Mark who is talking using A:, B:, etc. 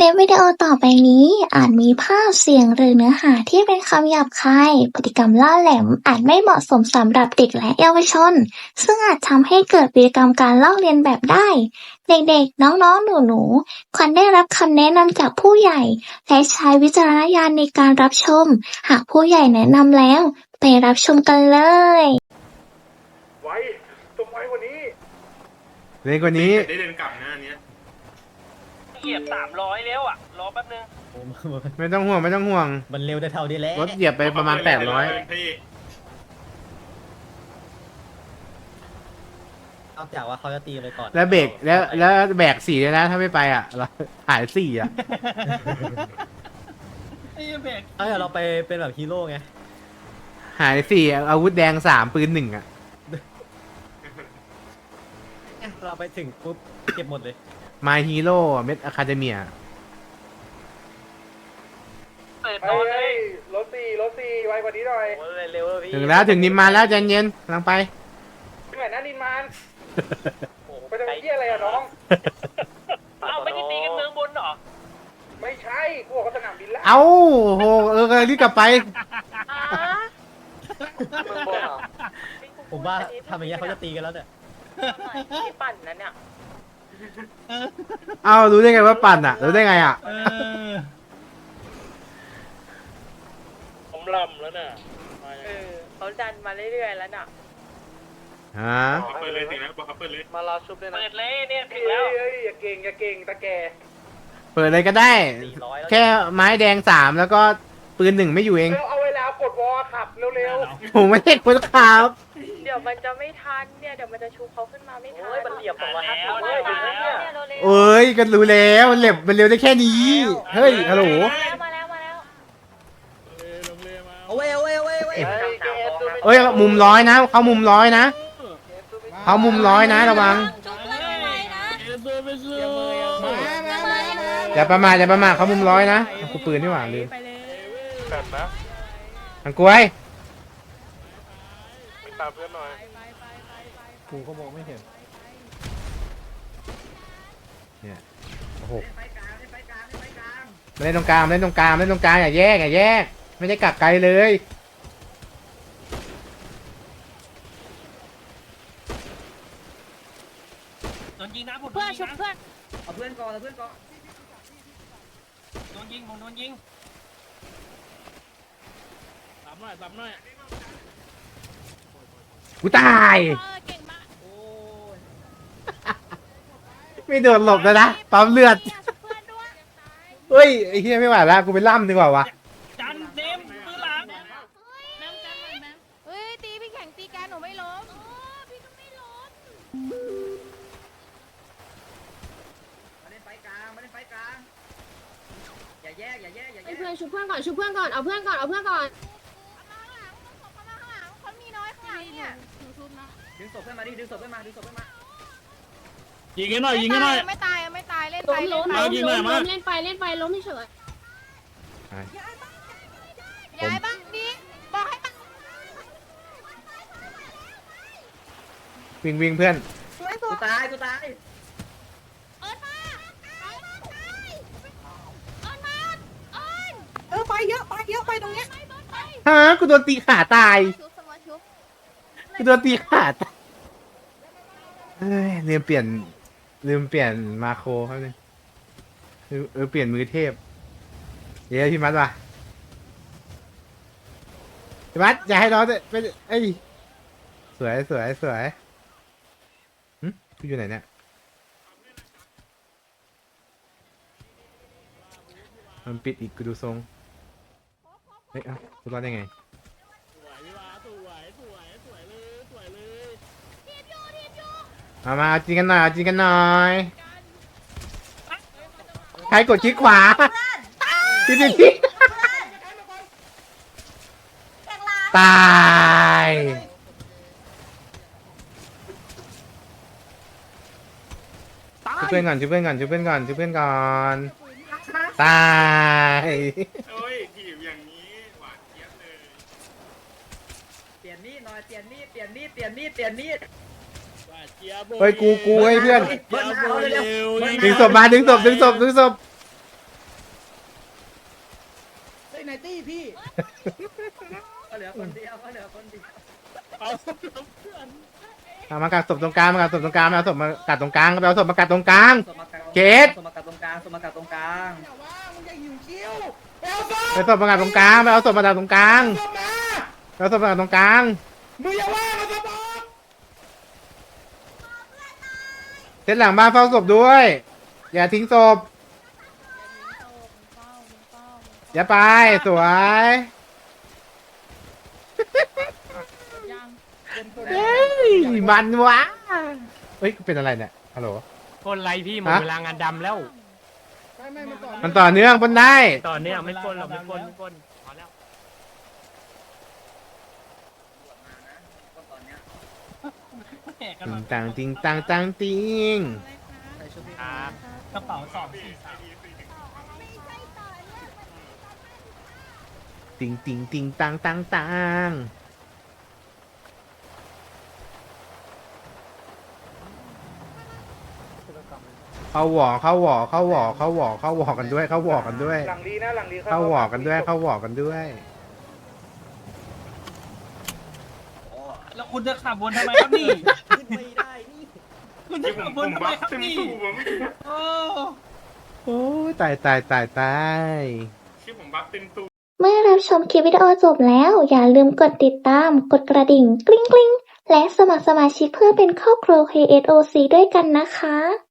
A: ลิปวิดีโอต่อไปนี้อาจมีภาพเสียงหรือเนื้อหาที่เป็นคำหยาบคายพฤติกรรมล่าแหลมอาจไม่เหมาะสมสำหรับเด็กและเยาวชนซึ่งอาจทำให้เกิดพฤติกรรมการลอกเลียนแบบได้เด็กๆน้องๆหนูๆควรได้รับคำแนะนำจากผู้ใหญ่และใช้วิจารณญาณในการรับชมหากผู้ใหญ่แนะนำแล้วไปรับชมกันเลย
B: ไว้ต้องไว้กว่านี้
C: เร็วกว่านี้
B: ได้เดินกลับนะอันเนี้ย
D: เหยียบ300แล้วอ่ะ รอแป๊บนึง
C: ไม่ต้องห่วงไม่ต้องห่วง
E: มันเร็วได้เท่านี้แหละ
C: รถเหยียบไปประมาณ800
B: พี่
E: นอกจากว่าเขาจะตีไปก่อน
C: แล้วเบรกแล้วแบก4เลยนะถ้าไม่ไปอ่ะเราหาย4อ่ะ
D: ไอ้เบรก
E: เดี๋ยวเราไปเป็นแบบฮีโร่ไง
C: หาย4อาวุธแดง3ปืน1อ่ะ
E: เราไปถึงปุ๊บเก็บหมดเลย
C: My Hero เม็ดอะคาเดเมีย
D: เปิดนอนเลย
B: รถสี่ไวกว่านี้หน่อย
D: โอ้ยเร็วแล้วพี่
C: ถึงแล้วถึงนิมมานแล้วใจเย็นกำลังไป
B: เหมือนนั่นนินมาน
D: โอ้โห
B: ไปทำเหี้ยอะไรอะน้อง
D: เอ้าไม่ได้ตีกันเมืองบนเหรอ
B: ไม่ใช่กูบอกว่าสนามบินแล้ว
C: เอ้าโหรีบกลับไป
B: เมืองบนเหรอ
E: ผมว่าทำอย่างเงี้ยเขาจะตีกันแล้วเนี่ย
F: ที่ปั่นนั้นเนี่ย
C: เอ้ารู้ได้ไงว่าปั่นอ่ะรู้ได้ไงอ่ะ
D: ผมลำแล้วน่ะมายังไง
F: เขาดันมาเรื่อยๆแล้วน่ะ
C: ฮะ
B: เปิดเลยสินะบอกเขาเปิดเลย
F: มารอชุบด้วยนะ
D: เปิดเลยเนี่ยถึ
B: เฮ้
D: งแล้ว
B: ยอย่าเก่งตะแก
C: เปิดเลยก็ได้
E: 400แล้ว
C: แค่ไม้แดง3แล้วก็ปืน1ไม่อยู่เอง
B: เอาเวลากดวอลขับเร็ว
C: ผมไม่ใช่คนขับ
F: เดี๋ยวมันจะไม่ทันเนี่ย เดี๋ยวมันจะชูเขาขึ้นมาไม่ทัน
E: โอ้ยมันเหลี่ยมตกมา
D: แล้ว
F: มา
D: ถึง
F: แล้ว
D: แล้ว
F: เนี่ยเร็วๆ
C: เอ้ยก็รู้แล้วมันเร็วได้แค่นี้เฮ้ยฮัลโหล
F: มาแล้ว
E: เอาเว้ยเอาเว้ยเอาเว้ยเอาเว้ย
C: เอ้ยมุม100นะเขามุม100นะเขามุม100นะระวังอย่าประมาทเขามุม100นะกูปืนนี่หว่าลืม
B: แบบนะ
C: ทางกล้วย
B: ไปตามเพื่อนหน่อย
E: กูก็มองไม่เห็น
C: เนี่ยโอ้โหมาเล่นตรงกลางอย่าแยกไม่ได้กักไกลเลย
D: โดนยิงนะผม
F: เพื่อนชุบเพื่อน
E: เอาเพื่อนก่อนเอาเพื่อนก่อน
D: โดนยิงผมโดนยิงซ้ำหน่อย
C: กูตาย
F: เก่งมาก
E: โอ้ย
C: ไม่โดนหลบแล้วนะปั๊มเลือด
F: ชุบเพื่อนด้วย
C: เฮ้ยไอ้เหี้ยไม่ไหวแล้วกูไปล่ำดีกว่าวะ
D: จันเต็มปืนหลัง
F: เฮ้ยตีพี่แข่งตีแกหนูไม่ล้มพี่ก็ไม่ล้ม
E: มาเล่นไฟกลางอย่าแยก
G: ให้เพื่อนชุบเพื่อนก่อนเอาเพื่อนก่อน
F: มาข้างหลังคนมีน้อยข้างหลังเนี่ย
E: ดึงศพเพื่อนมาดิดึงศพเพื่อนมา
D: ยิงกันหน่อยยิงกันหน่อย
F: ไม่ตายเล่น
G: ล้
F: ไป
G: ม
F: เล่นไป
D: เอายิงหน่อยมา
G: เล่นไปล้มเฉย
F: ย้ายบ้างดิบอกให้บ้าง
C: วิ่งเพื่อน
E: กูตาย
F: เอิร์ธมาเอิร์ธมา
G: ไปเยอะไปตรงเนี้ย
C: ฮะกูโดนตีขาตาย
F: ชุบสมอชุบ
C: กูโดนตีขาตายเฮ้ยลืมเปลี่ยนมาโครครับเนี่ยเปลี่ยนมือเทพเดี๋ยวพี่มัดว่ะพี่มัดอย่าให้น้องไปเอ้ยสวยหึกูอยู่ไหนเนี่ยมันปิดอีกกูดูทรงเฮ้ยเอ้ากูรอดได้ไงมาเอาจริงกันหน่อยใครกดคลิกขวาที่ตายช่วยเพื่อนก่อนตาย
B: โอ้ยถีบอย่างนี้หวานเจี๊ยบเลย
E: เปลี่ยนมีดหน่อยเปลี่ยนมีด
C: เฮ้ยกูให้เพื่อน
E: เบิ้ลหน้าเขาเร็ว
C: ดึงศพมาดึงศพ
E: ไหนตี้พี่ก็เหลือคนเดียวก็เหลือคนเดียว
C: เอามากัดศพตรงกลางมากัดศพตรงกลางมาเอาศพมากัดตรงกลางไปเอาศพมากัดตรงกลาง
E: สมการ
C: เกต
E: สมการตรงกลางสมการตรงกลาง
C: ไปศพมากัดตรงกลางไปเอาศพมากัดตรงกลางไปเอาศพมากัดตรงกลางเส้นหลังบ้านเฝ้าศพด้วย อย่าทิ้งศพอย่าไปสวย
F: ยัง
C: เฮ้ยมันวะเฮ้ยเป็นอะไรเนี่ยฮัลโหล
D: คนไรพี่หมด
C: ฮะ
D: เวลางานดำแล้ว
C: มันต่อเนื่องปนได้
D: ตอนเนี้ยไม่ปล้นหรอกไม่ปล้นพอแล้ว
C: ติงตังติงตังตังติง
D: ครับ
E: กระเป๋า243
C: ติงติงติงตังตังตังเข้าหวอเข้าหวอเข้าหวอเข้าหวอเข้าหวอกันด้วยเข้าหวอกันด้วย
B: หลังลีนะหลังลี
C: เข้าหวอกันด้วยเข้าหวอกันด้วย
E: แล้วคุณจะขับวนทำไมครับนี่ขึ้นไม่ได้นี่คุณจะขับวนทำไมครับนี่โอ้
C: โอ้ยตายตายตายตาย
B: ชื่อผมบัฟเต็มตู
A: เมื่อรับชมคลิปวิดีโอจบแล้ว อย่าลืมกดติดตาม กดกระดิ่งกริ๊งกริ๊งและสมัครสมาชิกเพื่อเป็นครอบครัว KSOC ด้วยกันนะคะ